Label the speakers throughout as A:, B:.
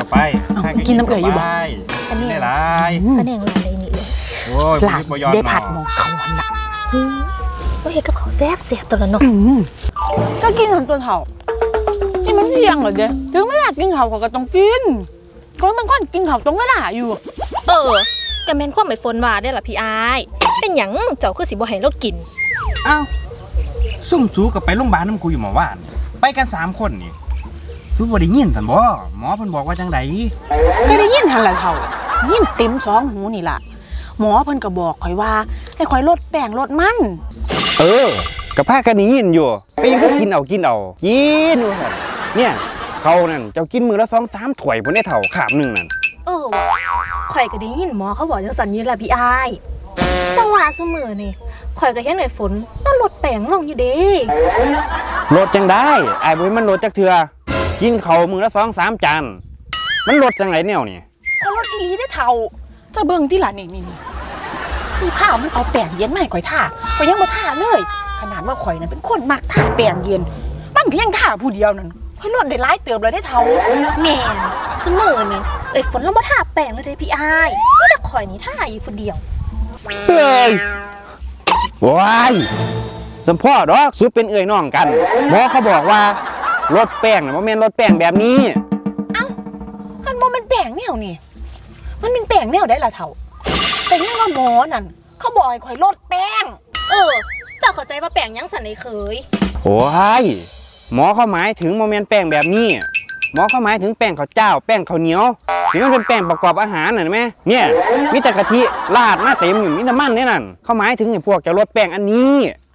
A: ไป
B: กินน้ำเอื่อยอยู่บ่
A: อันนี้หลาย
C: คะแนนอะไรนี่เลย
A: โอ้ย
B: หลานได้ผัดหมองเขาวันละ
C: ว่าเห็ดกับเขาแซ่บตัวละเนาะ
B: ก็กินทำตัวเถ่านี่มันเที่ยงเหรอเด้ถึงเวลากินข้าวเขาก็ต้องกินก็มันก้อนกินข้าวตรงเวลาอยู่
C: กะแม่นความไม่ฝนว่าได้ล่ะพี่อายเป็นหยังเจ้าคือสิบ่ให้เรากิน
A: อ้าวซุ่มสูกับไปโรงพยาบาลน้ำกูอยู่หมอว่านไปกัน3 คนนี่ซูบ่ได้ยินท่านบ่หมอเพิ่นบอกว่าจังได
B: ก็ได้ยินทันละเถ่ายินเต็ม2 หูนี่ล่ะหมอเพิ่นก็บอกข่อยว่าให้ข่อยลดแป้งลดมัน
A: กับผ้ากันยินอยู่ไปยังก็กินเอากินว่าเนี่ยเขานั่นเจ้ากินมือละ2-3 ถ้วยบ่ได้เท่าขาบนึงนั่น
C: ข่อยก็ได้ยินหมอเขาบอกจังซั่นอยู่ล่ะพี่อายแต่ว่าซุมื้อนี่ข่อยก็เห็นไอ้ฝนมันลดแป้งลงอยู่เด้
A: ลดจังได้อ้ายบ่ให้มันลดจักเทื่อกินข้าวมื้อละ2-3 จานมันลดจังไดแนวนี่
B: เขาลดอีหลีได้เท่าจะเบิ่งที่ล่ะนี่ผ้ามันเอาแป้งเย็นมาให้ข่อยทาข่อยยังบ่ทาเลยขนาดว่าข่อยนั้นเป็นคนมักทาแป้งเย็นมันก็ยังทาผู้เดียวนั่นข่อยลดได้หลายเติบเลยได้เท่า
C: แม่นซุมื้อนี่ไอ้ฝนเราบ่ทาแป้งเลยเด้พี่อายมีแต่ข่อยนี่ทาอยู่ผู้เดียว
A: เฮ้ยว้ายสมพ่อดอกสุดเป็นเอ่ยน้องกันหมอเขาบอกว่าลดแป้งน่ะบ่แม่นลดแป้งแบบนี้
B: มันบ่เป็นแป้งแนวนี่มันเป็นแป้งแนวได้ล่ะเท่าแต่ยังว่าหมอนั่นเขาบอกให้ข่อยลดแป้ง
C: เจ้าเข้าใจว่าแป้งยังสั่นไอ้เคย
A: โอ้ยหมอเขาหมายถึงโมเมนต์แป้งแบบนี้หมอเขาหมายถึงแป้งข้าวเจ้าแป้งข้าวเหนียวนี่มันเป็นแป้งประกอบอาหารน่ะเห็นไหมเนี่ยมีแต่กะทิราดมาเต็มอยู่มีน้ำมันนี่นั่นเขาหมายถึงไอ้พวกจะลดแป้งอันนี้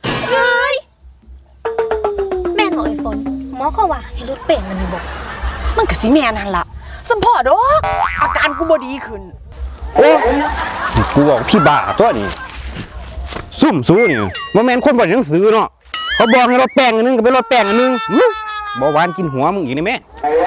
C: แม่นบอกไอ้ฝนหมอเขาว่าให้ลดแป้งมันนี่บอก
B: มันก็สิแม่นั่นล่ะสัมพ่อดอกอาการกูบ่ดีขึ้น
A: โอ้กูบอกพี่บ้าตัวนี้ซุ่มซูนี่โมเมนต์คนบ่ได้หนังสือเนาะเขาบอกให้ลดแป้งอันนึงก็ไปลดแป้งอันนึงบ่หวานกินหัวมึงอีกนี่แม่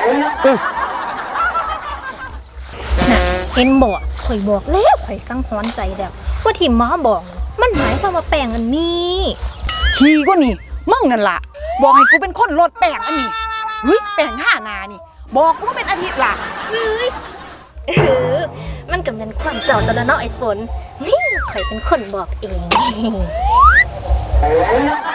C: น่ะเห็นบอกข่อยบอกแล้วข่อยสังหรณ์ใจแล้วว่าที่หมอบอกมันหมายความว่าแป้งอันนี้
B: ขี้ก็นี่มึงนั่นล่ะบอกให้กูเป็นคนลดแป้งอันนี้เฮ้ยแป้ง5 นานี่บอกกูว่าเป็นอาทิตย์ล่ะ
C: มันก็เป็นความเจ้าตะละเนาะไอ้ฝนนี่ข่อยเป็นคนบอกเอง